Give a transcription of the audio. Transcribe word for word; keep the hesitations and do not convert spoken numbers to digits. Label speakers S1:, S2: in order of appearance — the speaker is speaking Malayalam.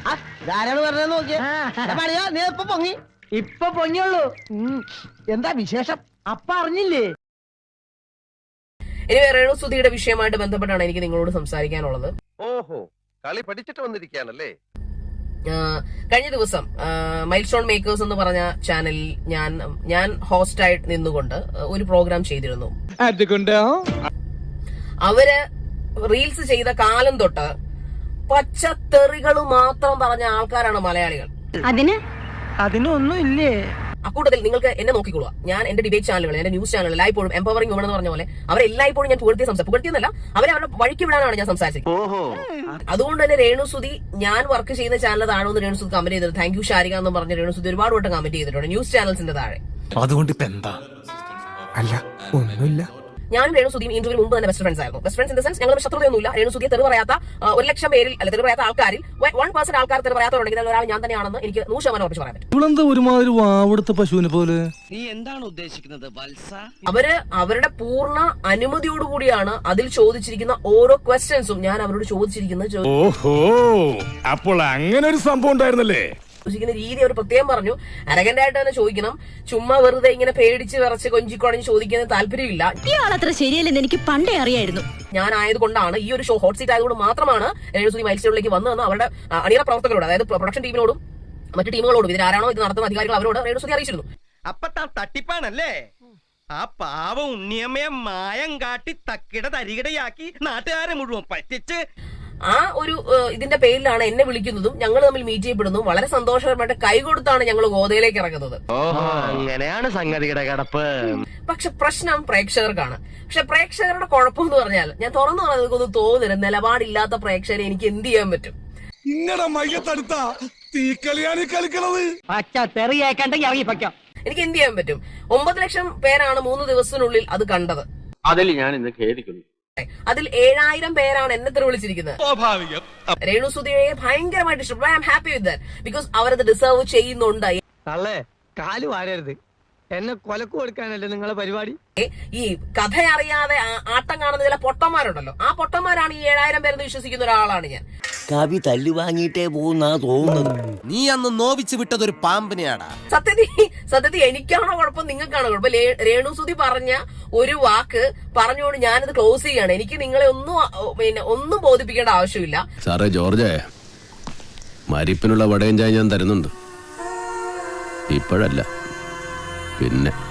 S1: ധാരാളം പറഞ്ഞത് നോക്കിയാ നീ ഇപ്പൊ പൊങ്ങി ഇപ്പൊ പൊങ്ങിയുള്ളൂ. എന്താ വിശേഷം അപ്പ അറിഞ്ഞില്ലേ?
S2: ഇനി രേണുസുധിയുടെ വിഷയമായിട്ട് ബന്ധപ്പെട്ടാണ് എനിക്ക് നിങ്ങളോട് സംസാരിക്കാനുള്ളത്.
S3: ഓഹോ, കളി പഠിച്ചിട്ട് വന്നിരിക്കുകയാണല്ലേ.
S2: കഴിഞ്ഞ ദിവസം മൈൽ സ്റ്റോൺ മേക്കേഴ്സ് എന്ന് പറഞ്ഞ ചാനലിൽ ഞാൻ ഞാൻ ഹോസ്റ്റായിട്ട് നിന്നുകൊണ്ട് ഒരു പ്രോഗ്രാം ചെയ്തിരുന്നു. അവര് റീൽസ് ചെയ്ത കാലം തൊട്ട് പച്ചത്തെറികൾ മാത്രം പറഞ്ഞ ആൾക്കാരാണ് മലയാളികൾ.
S1: അതിന് അതിനൊന്നും ഇല്ലേ?
S2: അക്കൂട്ടത്തിൽ നിങ്ങൾക്ക് എന്നെ നോക്കിക്കൊള്ളുക. ഞാൻ എന്റെ ഡിബേറ്റ് ചാനലുകൾ, എന്റെ ന്യൂസ് ചാനലുകൾ എല്ലായ്പ്പോഴും എംപവറിംഗ് വുമൺ എന്ന് പറഞ്ഞ പോലെ അവരെല്ലായ്പ്പോഴും ഞാൻ പുകഴ്ത്തിയ സംസാരം പുകഴ്ത്തിയെന്നല്ല, അവരെ അവരുടെ വഴിക്ക് വിടാനാണ് ഞാൻ സംസാരിച്ചത്. അതുകൊണ്ട് തന്നെ രേണുസുധി ഞാൻ വർക്ക് ചെയ്യുന്ന ചാനൽ താഴെ ഒന്ന് രേണുസുധി കമന്റ് ചെയ്തത് താങ്ക് യു ഷാരിക എന്ന് പറഞ്ഞ രേണുസുധി ഒരുപാട് വട്ടം കമന്റ് ചെയ്തിട്ടുണ്ട് ന്യൂസ് ചാനൽസിന്റെ താഴെ.
S4: അതുകൊണ്ട് ഇപ്പൊ എന്താ? അല്ല ഒന്നുമില്ല.
S2: ഞാനും രേണുസുധിയും ഇന്റർവ്യൂ മുമ്പ് തന്നെ ബെസ്റ്റ് ഫ്രണ്ട്സ് ആയിരുന്നു. Best friends in the sense ഞങ്ങൾ ശത്രുതയൊന്നുമില്ല. രേണുസുധിയെ തെറി പറയാത്ത ഒരു ലക്ഷം പേരിൽ അല്ല തെറി പറയാത്ത ആൾക്കാരിൽ വൺ പെർസെന്റ് ആൾക്കാർ തെറി പറയാത്തവരുണ്ടെങ്കിൽ ഒരാൾ ഞാൻ തന്നെയാണെന്ന് എനിക്ക് നൂറ് ശതമാനം ഉറപ്പിച്ച് പറയാൻ പറ്റും.
S4: ഇവളെന്താ ഒരുമാതിരി വാവെടുത്ത പശുവിനെ പോലെ?
S1: നീ എന്താണ് ഉദ്ദേശിക്കുന്നത് വത്സ?
S2: അവര് അവരുടെ പൂർണ്ണ അനുമതിയോടുകൂടിയാണ് അതിൽ ചോദിച്ചിരിക്കുന്ന ഓരോ ക്വസ്റ്റ്യൻസും ഞാൻ അവരോട് ചോദിച്ചിരിക്കുന്നത്.
S4: ഓഹോ, അപ്പോൾ അങ്ങനെ ഒരു സംഭവം ഉണ്ടായിരുന്നല്ലേ?
S2: ചോദിക്കുന്ന രീതി അവർ പ്രത്യേകം പറഞ്ഞു. അരഗന്റ് ആയിട്ട് തന്നെ ചോദിക്കണം. ചുമ്മാ വെറുതെ ഇങ്ങനെ പേടിച്ച് വിറച്ച് കൊഞ്ചിക്കൊടഞ്ഞ് ചോദിക്കുന്ന താല്പര്യമില്ല.
S5: ഇയാളത്ര ശരിയല്ലെന്ന് എനിക്ക് പണ്ടേ അറിയായിരുന്നു.
S2: ഞാൻ ആയതുകൊണ്ടാണ് ഈ ഒരു ഷോ ഹോട്ട് സീറ്റ് ആയതുകൊണ്ട് മാത്രമാണ് രേണുസുധി മൈൽ സ്റ്റോണിലേക്ക് വന്നതെന്ന് അവരുടെ അണിയറ പ്രവർത്തകരോട്, അതായത് പ്രൊഡക്ഷൻ ടീമിനോടും മറ്റു ടീമുകളോടും ഇതിനാരാണോ ഇത് നടത്തുന്ന അധികാരികൾ അവരോട് രേണുസുധി അറിയിച്ചിരുന്നു.
S6: അപ്പൊ താൻ തട്ടിപ്പാണല്ലേ? ആ പാവ ഉണ്ണിയമ്മയെ മായം കാട്ടി തക്കിട തരികിടയാക്കി നാട്ടുകാരെ മുഴുവൻ പറ്റിച്ച്
S2: ആ ഒരു ഇതിന്റെ പേരിലാണ് എന്നെ വിളിക്കുന്നതും ഞങ്ങൾ തമ്മിൽ മീറ്റ് ചെയ്യപ്പെടുന്നതും. വളരെ സന്തോഷകരമായിട്ട് കൈകൊടുത്താണ് ഞങ്ങൾ ഗോതയിലേക്ക് ഇറങ്ങുന്നത്.
S6: അങ്ങനെയാണ് സംഗതിയുടെ കിടപ്പ്.
S2: പക്ഷെ പ്രശ്നം പ്രേക്ഷകർക്കാണ്. പക്ഷെ പ്രേക്ഷകരുടെ കുഴപ്പം എന്ന് പറഞ്ഞാൽ ഞാൻ തുറന്നു പറഞ്ഞാൽ നിങ്ങൾക്കൊന്നും തോന്നരുത്, നിലപാടില്ലാത്ത പ്രേക്ഷകരെ എനിക്ക് എന്ത് ചെയ്യാൻ പറ്റും?
S4: ഇങ്ങനെ മയ്യത്തടുത്ത തീക്കളിയാണ് കളിക്കണത്.
S2: എനിക്ക് എന്ത് ചെയ്യാൻ പറ്റും? ഒമ്പത് ലക്ഷം പേരാണ് മൂന്ന് ദിവസത്തിനുള്ളിൽ അത് കണ്ടത്.
S3: അതിൽ ഞാൻ ഇന്ന് ഖേദിക്കുന്നു.
S2: അതിൽ ഏഴായിരം പേരാണ് എന്നെ തെറി വിളിച്ചിരിക്കുന്നത്.
S4: സ്വാഭാവികം.
S2: രേണുസുധിയെ ഭയങ്കരമായിട്ട് ഇഷ്ടപ്പെട്ടു. I am happy with that because അവരത് ഡിസേർവ് ചെയ്യുന്നുണ്ട്.
S1: തള്ളേ കാല് വാരരുത്, എന്നെ കൊലക്ക് കൊടുക്കാനല്ലേ നിങ്ങളെ പരിപാടി?
S2: ഈ കഥ അറിയാതെ ആട്ടം കാണുന്ന ചില പൊട്ടന്മാരുണ്ടല്ലോ, ആ പൊട്ടന്മാരാണ് ഈ ഏഴായിരം പേരെന്ന് വിശ്വസിക്കുന്ന ഒരാളാണ് ഞാൻ.
S7: കവി തല്ലു വാങ്ങിയിട്ടേ പോകുന്നാ തോന്നുന്നത്.
S8: നീ അന്ന് നോവിച്ച് വിട്ടതൊരു പാമ്പിനെയാടാ.
S2: സത്യത്തിൽ സത്യത്തിൽ എനിക്കാണോ കുഴപ്പം നിങ്ങൾക്കാണോ കുഴപ്പം? രേണുസുധി പറഞ്ഞ ഒരു വാക്ക് പറഞ്ഞുകൊണ്ട് ഞാനത് ക്ലോസ് ചെയ്യാണ്. എനിക്ക് നിങ്ങളെ ഒന്നും പിന്നെ ഒന്നും ബോധിപ്പിക്കേണ്ട ആവശ്യമില്ല.
S8: സാറേ ജോർജേ, മരിപ്പിനുള്ള വടയും ചായ ഞാൻ തരുന്നുണ്ട്. ഇപ്പോഴല്ല, പിന്നെ.